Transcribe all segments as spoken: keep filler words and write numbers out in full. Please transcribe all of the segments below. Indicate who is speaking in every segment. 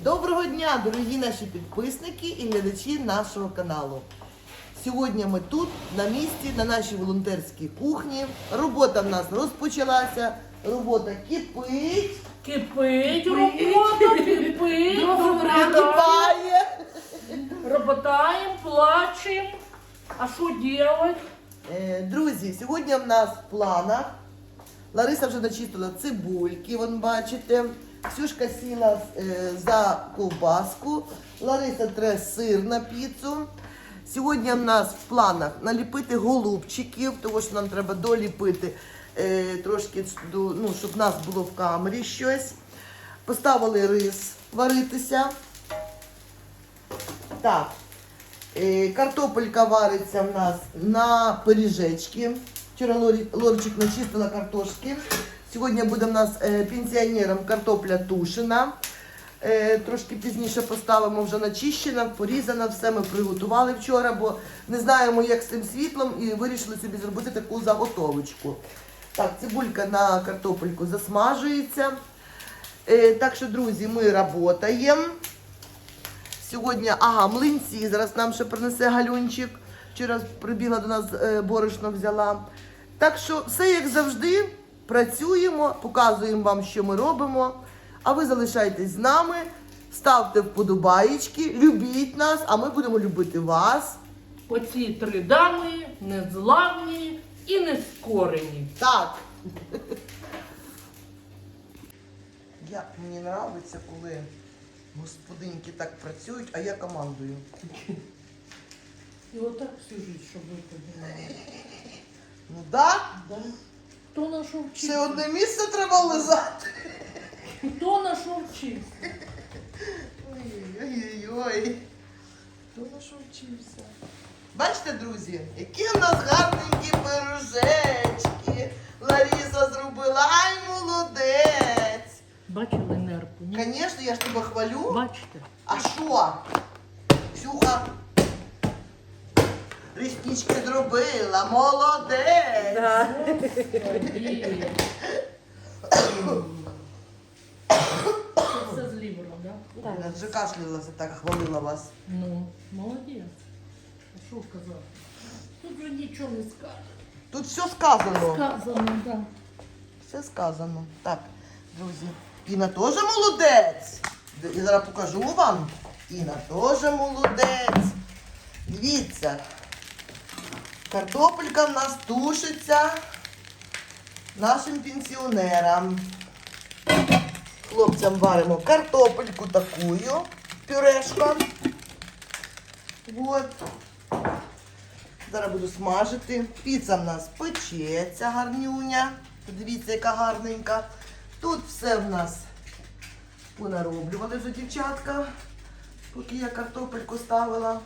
Speaker 1: Доброго дня, дорогі наші підписники і глядачі нашого каналу. Сьогодні ми тут, на місці, на нашій волонтерській кухні. Робота в нас розпочалася, робота кипить.
Speaker 2: Кипить робота, кипить,
Speaker 1: Кипає.
Speaker 2: Роботаємо, плачемо. А що робити?
Speaker 1: Е, Друзі, сьогодні в нас в планах. Лариса вже начистила цибульки, вон бачите. Ксюшка сіла е, за ковбаску. Лариса тре сир на піцу. Сьогодні в нас в планах наліпити голубчиків, тому що нам треба доліпити е, трошки, ну, щоб в нас було в камері щось. Поставили рис варитися. Так, е, картопелька вариться в нас на пиріжечки. Вчора Лорі, Лорчик начистила картошки. Сьогодні буде в нас е, пенсіонерам картопля тушена. Е, трошки пізніше поставимо, вже начищена, порізана, все ми приготували вчора, бо не знаємо, як з цим світлом, і вирішили собі зробити таку заготовочку. Так, цибулька на картопельку засмажується. Е, так що, друзі, ми працюємо. Сьогодні, ага, млинці, зараз нам ще принесе Галюнчик. Вчора прибігла до нас, е, борошно взяла. Так що, все як завжди, працюємо, показуємо вам, що ми робимо. А ви залишайтесь з нами, ставте вподобаєчки, любіть нас, а ми будемо любити вас.
Speaker 2: Оці три дами незламні і нескорені.
Speaker 1: Так. Як мені подобається, коли господинки так працюють, а я командую.
Speaker 2: І отак всю життя, щоб ви подумали.
Speaker 1: Ну так,
Speaker 2: Да? Хто на що
Speaker 1: ще
Speaker 2: вчився?
Speaker 1: одне місце треба лизати.
Speaker 2: Хто на що вчився?
Speaker 1: Ой-ой-ой. Хто на що вчився? Бачите, друзі, які у нас гарненькі пирожечки. Лариса зробила. Ай, молодець.
Speaker 2: Бачили нерпу? Ні?
Speaker 1: Звісно, я ж тебе хвалю.
Speaker 2: Бачите?
Speaker 1: А що? Ксюха реснички зробила. Молодець.
Speaker 2: Да. Ой. Це з лівером, так? Да?
Speaker 1: Я вже кашлялася, так хвалила вас.
Speaker 2: Ну, молодець. А що казати? Тут вже нічого не скажеш.
Speaker 1: Тут все сказано.
Speaker 2: Сказано, так. Да.
Speaker 1: Все сказано. Так, друзі, Іна теж молодець. Я зараз покажу вам. Іна теж молодець. Дивіться. Картопелька в нас тушиться нашим пенсіонерам. Хлопцям варимо картопельку такую, пюрешка. Вот. Зараз буду смажити. Піца в нас печеться гарнюня. Подивіться, яка гарненька. Тут все в нас понароблювали вже дівчатка, поки я картопельку ставила.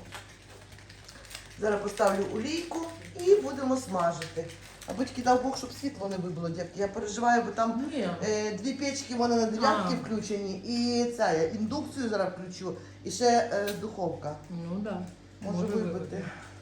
Speaker 1: Зараз поставлю олійку і будемо смажити. Аби тільки дав Бог, щоб світло не вибило, дівки. Я переживаю, бо там е, дві печки, вони на дев'ятки включені. І це, я індукцію зараз включу. І ще е, духовка.
Speaker 2: Ну так. Да.
Speaker 1: Може вибити.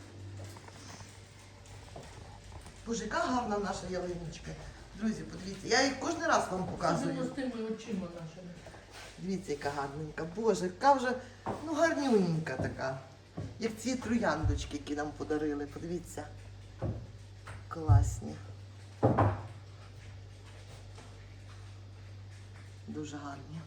Speaker 1: Боже, яка гарна наша ялиночка. Друзі, подивіться, я їх кожен раз вам показую.
Speaker 2: Особливо з тими очима нашими.
Speaker 1: Дивіться, яка гарненька. Боже, яка вже, ну, гарнюненька така. Як ці трояндочки, які нам подарили. Подивіться. Класні. Дуже гарні.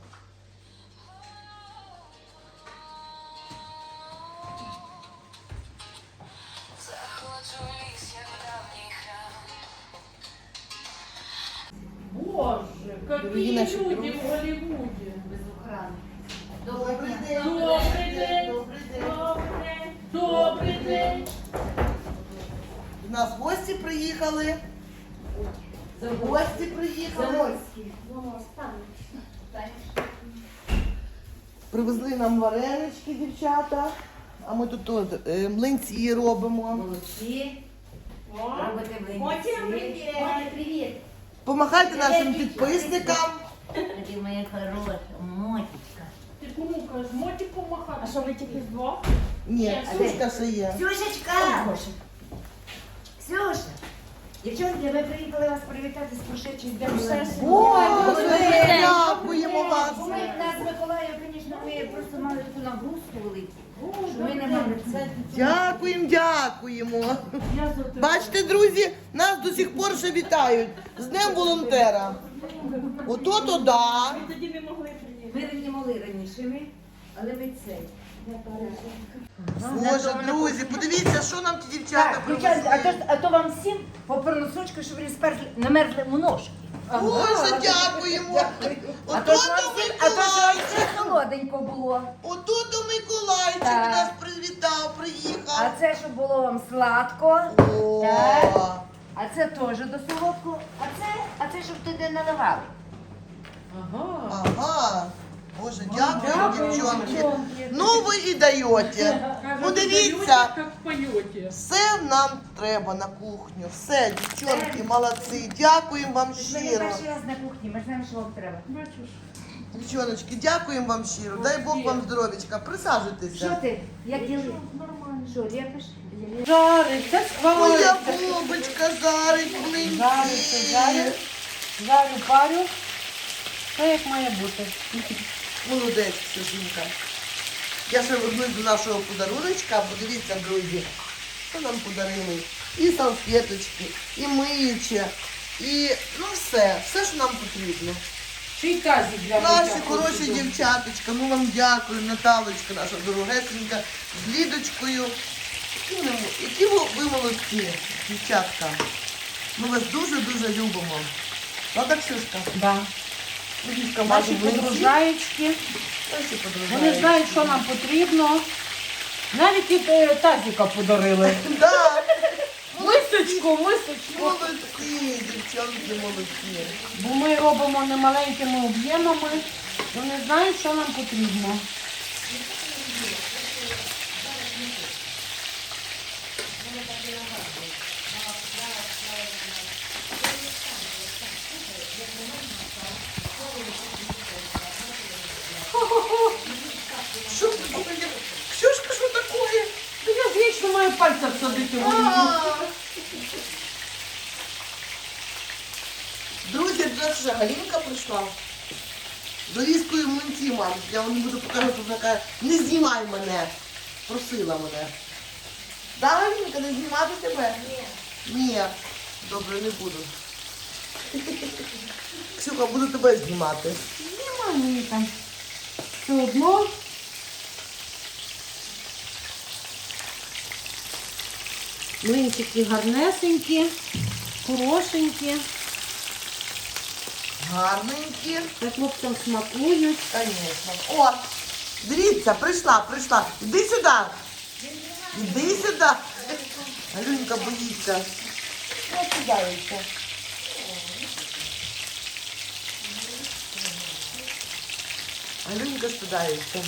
Speaker 2: Боже,
Speaker 1: Дорогі
Speaker 2: які
Speaker 1: наші
Speaker 2: люди
Speaker 1: друзі.
Speaker 2: в Голлівуді.
Speaker 3: Без охрани.
Speaker 1: Добрий день.
Speaker 2: Добрий день.
Speaker 1: Добрий день.
Speaker 2: Добрий день. Добрий день.
Speaker 1: До нас гості приїхали. Гості приїхали. Привезли нам варенички, дівчата. А ми тут от, е, млинці робимо.
Speaker 3: Молодці.
Speaker 2: О,
Speaker 3: Робите млинці.
Speaker 2: Мотя, привіт.
Speaker 3: Мотя, привіт.
Speaker 1: Помагайте нашим підписникам.
Speaker 3: Ти моя хороша, Мотічка.
Speaker 2: Ти кому кажеш, моті помахати?
Speaker 4: А що ви тільки вдвох?
Speaker 1: Ні, Ксюшка ще є.
Speaker 3: Ксюшечка. Ксюша.
Speaker 4: Дівчатки, ми приїхали вас привітати з прошедшим днем всесвіту.
Speaker 1: Боже, дякуємо вас.
Speaker 4: Бо ми нас з Миколаєм, звісно, ми просто мали таку нагрузку велику, що ми не мали це.
Speaker 1: Дякуємо, дякуємо.
Speaker 2: Я за тебе.
Speaker 1: Бачите, друзі, нас до сих пор ще вітають з Днем волонтера. Ото то да.
Speaker 4: Ми не могли раніше, ми, але ми це.
Speaker 1: Боже, друзі, подивіться, що нам ті дівчата
Speaker 4: Так, дівчатки, а то,
Speaker 1: привезли.
Speaker 4: а то вам всім по переносочку, щоб ви не сперли, не мерзли у ножки.
Speaker 1: Боже, дякуємо.
Speaker 4: А то
Speaker 1: Ото
Speaker 4: ж вам
Speaker 1: то
Speaker 4: всім, а то ж вам
Speaker 1: Миколайчик.
Speaker 4: всім холоденько було.
Speaker 1: Ото то Миколайчик
Speaker 4: Так.
Speaker 1: нас привітав,
Speaker 4: А
Speaker 1: приїхав.
Speaker 4: це, щоб було вам сладко.
Speaker 1: О,
Speaker 4: Так. А це теж до солодку. А це, а це, щоб туди наливали.
Speaker 2: Ага.
Speaker 1: ага. Боже, дякую,
Speaker 2: Дякую,
Speaker 1: дівчонки.
Speaker 2: дівчонки.
Speaker 1: Ну ви і даєте. Ну дивіться,
Speaker 2: Як поєте.
Speaker 1: все нам треба на кухню. Все, дівчонки, молодці. Дякуємо вам
Speaker 4: Ми не
Speaker 1: щиро.
Speaker 4: перший раз на кухні, ми знаємо, що вам треба.
Speaker 2: Бачиш?
Speaker 1: Дівчоночки, дякуємо вам щиро. Дай Бог вам здоров'ячка.
Speaker 4: Що
Speaker 1: Присаджуйтеся.
Speaker 4: ти? Як діли?
Speaker 2: Нормально.
Speaker 4: Що, ліпиш?
Speaker 2: Жариться,
Speaker 1: Моя
Speaker 2: сквариться.
Speaker 1: бубочка жарить
Speaker 2: Жариться,
Speaker 1: млинці.
Speaker 2: жарю. Жарю, парю. Все як має бути.
Speaker 1: Молодець, Ксюшенька. Я ще вернусь до нашого подаруночка. Подивіться, друзі, що нам подарили. І салфеточки, і миюче, і ну все, все, що нам потрібно.
Speaker 2: Ще й тазик для
Speaker 1: Наші
Speaker 2: миття
Speaker 1: хороші
Speaker 2: посуду.
Speaker 1: дівчаточка, ми вам дякуємо, Наталочка, наша дорогесенька, з Лідочкою. Які ви, які ви, ви молодці, дівчатка. Ми вас дуже-дуже любимо. Правда, Ксюшка?
Speaker 2: Да.
Speaker 1: Лідочка,
Speaker 2: Наші
Speaker 1: мати млинці.
Speaker 2: подружаєчки.
Speaker 1: Наші подружаєчки.
Speaker 2: Вони знають, що нам потрібно. Навіть і е, тазика подарили.
Speaker 1: Так,
Speaker 2: Мисочку, мисочку.
Speaker 1: молодці, дівчонки, молодці.
Speaker 2: Бо ми робимо немаленькими об'ємами. Вони знають, що нам потрібно.
Speaker 1: Що таке? Ксюшка, що таке?
Speaker 2: Та я ж вічно маю пальця всадити в олію.
Speaker 1: А. Друзі, до нас вже Галінка прийшла. З Лізкою млинці, мам. Я вам не буду показувати, вона каже, не знімай мене. Просила мене. Да, Галінка, не знімати тебе? Ні. Ні. Добре, не буду. Ксюха, буду тебе знімати.
Speaker 2: Нема мені там. Все одно. Млинчики гарнесенькі, хорошенькі.
Speaker 1: Гарненькі.
Speaker 2: Та хлопцям смакують.
Speaker 1: Конечно. О, дивіться, прийшла, прийшла. Іди сюди. Іди сюди. Алюнька боїться. Ну, кидається. Алюнька стидається.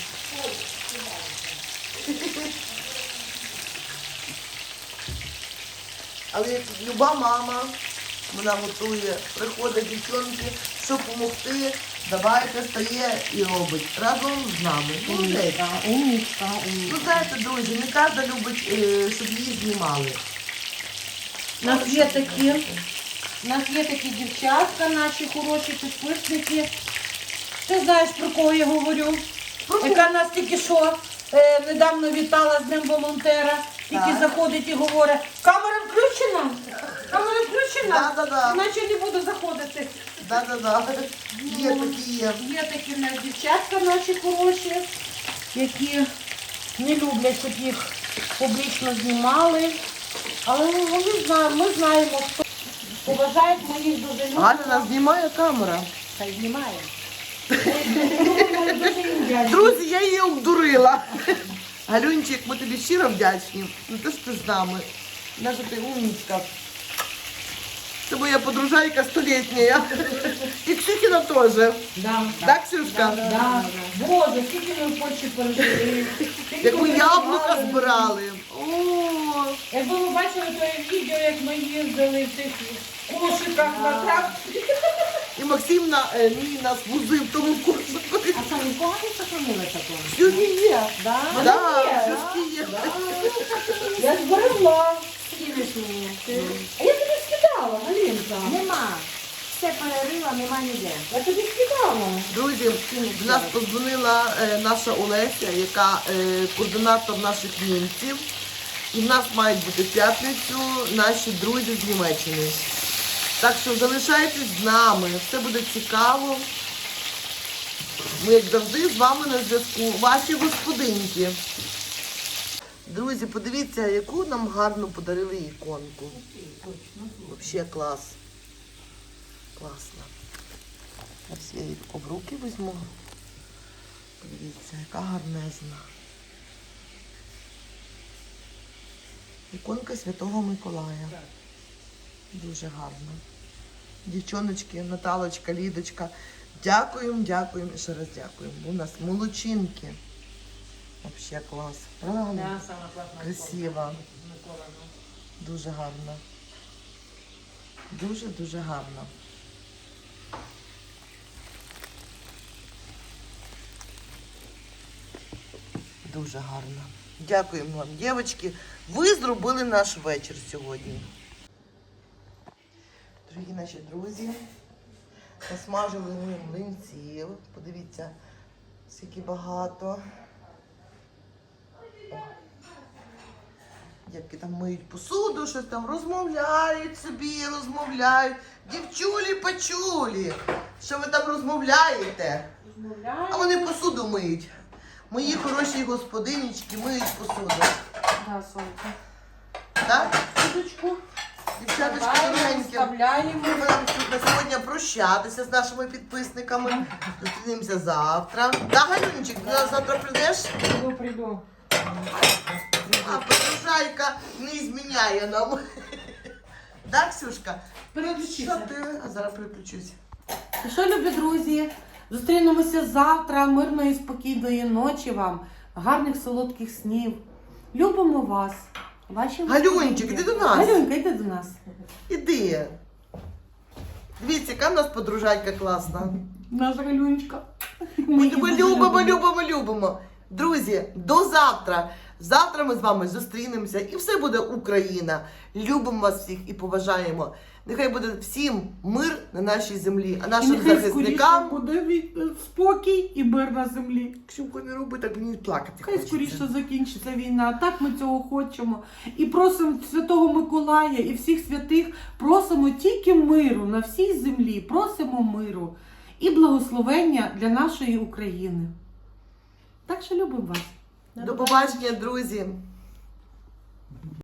Speaker 1: Але як люба мама, вона готує, приходить дівчонки, щоб допомогти, давайте стає і робить разом з нами. Молодець.
Speaker 2: Умничка, умничка,
Speaker 1: Ну
Speaker 2: умничка.
Speaker 1: знаєте, друзі, не кожен любить, е, щоб її знімали.
Speaker 2: У нас є такі, у нас є такі дівчатка, наші хороші підписники. Ти знаєш, про кого я говорю? Яка нас тільки що е, недавно вітала з Днем волонтера, тільки
Speaker 1: Так.
Speaker 2: заходить і говорить, камера включена, камера включена,
Speaker 1: Да-да-да.
Speaker 2: іначе не буду заходити.
Speaker 1: Да-да-да. Є такі є.
Speaker 2: Є такі в нас дівчатка наші хороші, які не люблять, щоб їх публічно знімали. Але вони знають, ми знаємо, хто поважають, ми їх дуже любимо.
Speaker 1: Галя нас знімає камера.
Speaker 2: Хай знімає. Ми дуже їм вдячні.
Speaker 1: Друзі, я її обдурила. Галюнчик, ми тобі щиро вдячні. Ну ти ж ти з нами. Наша ти умничка. Це моя подружайка столітня. І Ксюхіна теж.
Speaker 2: Да.
Speaker 1: Так, Ксюшка?
Speaker 2: Да. Боже, скільки ми в Польщі пережили. Скільки
Speaker 1: Яку
Speaker 2: ми
Speaker 1: яблука
Speaker 2: збирали.
Speaker 1: збирали. О,
Speaker 2: Якби ви бачили те відео, як ми їздили в тих кошиках на тракторі.
Speaker 1: і Максим на, е, мій нас возив в тому курсу.
Speaker 2: А що, нікого не сохранили такого?
Speaker 1: Ксюхі є.
Speaker 2: Да?
Speaker 1: Да,
Speaker 2: є,
Speaker 1: Ксюшки є.
Speaker 2: Я зберегла. Скинеш мені. А я тобі скидала.
Speaker 4: Нема. Все перерила, нема ніде.
Speaker 2: Я тобі скидала.
Speaker 1: Друзі, в нас подзвонила е, наша Олеся, яка е, координатор наших німців. І в нас мають бути в п'ятницю наші друзі з Німеччини. Так що залишайтесь з нами, все буде цікаво. Ми, як завжди, з вами на зв'язку. Ваші господинки. Друзі, подивіться, яку нам гарно подарили іконку. Взагалі клас. Класно. Ось я її в руки візьму. Подивіться, яка гарнезна. Іконка Святого Миколая. Дуже гарно. Дівчоночки, Наталочка, Лідочка. Дякуємо, дякуємо і ще раз дякуємо. Бо у нас молодчинки. Взагалі клас. Правда? Красиво. Дуже гарно. Дуже-дуже гарно. Дуже гарно. Дякуємо вам, дівчатки. Ви зробили наш вечір сьогодні. Дорогі наші друзі, насмажили ми млинців. Подивіться, скільки багато. О. Дівки там миють посуду, щось там розмовляють собі, розмовляють. Дівчулі почулі, що ви там розмовляєте?
Speaker 2: Розмовляю.
Speaker 1: А вони посуду миють. Мої хороші господинічки миють посуду.
Speaker 2: Да, Сонька.
Speaker 1: Так?
Speaker 2: Кудочку.
Speaker 1: Дівчаточки
Speaker 2: Вставляємо,
Speaker 1: дорогенькі.
Speaker 2: вставляємо.
Speaker 1: Ми будемо тут на сьогодні прощатися з нашими підписниками. Зустрінемося завтра. Да, Галюнчик, ти нас завтра прийдеш?
Speaker 2: Прийду, прийду.
Speaker 1: А подружайка не зміняє нам. Так, Ксюшка? Що
Speaker 2: Переключися.
Speaker 1: ти? А зараз переключусь.
Speaker 2: І що, любі друзі, зустрінемося завтра. Мирної, спокійної ночі вам. Гарних солодких снів. Любимо вас. Ваші
Speaker 1: Галюнчик, іди до нас.
Speaker 2: Галюнька, йди до нас.
Speaker 1: Іди. Дивіться, яка в нас подружайка класна.
Speaker 2: Наша Галюнечка.
Speaker 1: Ми тебе любимо, любимо, любимо. Друзі, до завтра. Завтра ми з вами зустрінемося і все буде Україна. Любимо вас всіх і поважаємо. Нехай буде всім мир на нашій землі, а нашим
Speaker 2: Нехай
Speaker 1: захисникам.
Speaker 2: скоріше буде від- спокій і мир на землі.
Speaker 1: Ксюнко, не роби так, мені плакати
Speaker 2: Хай
Speaker 1: хочеться.
Speaker 2: скоріше закінчиться війна. Так ми цього хочемо. І просимо Святого Миколая і всіх святих, просимо тільки миру на всій землі. Просимо миру і благословення для нашої України. Так що любимо вас.
Speaker 1: До побачення, друзі.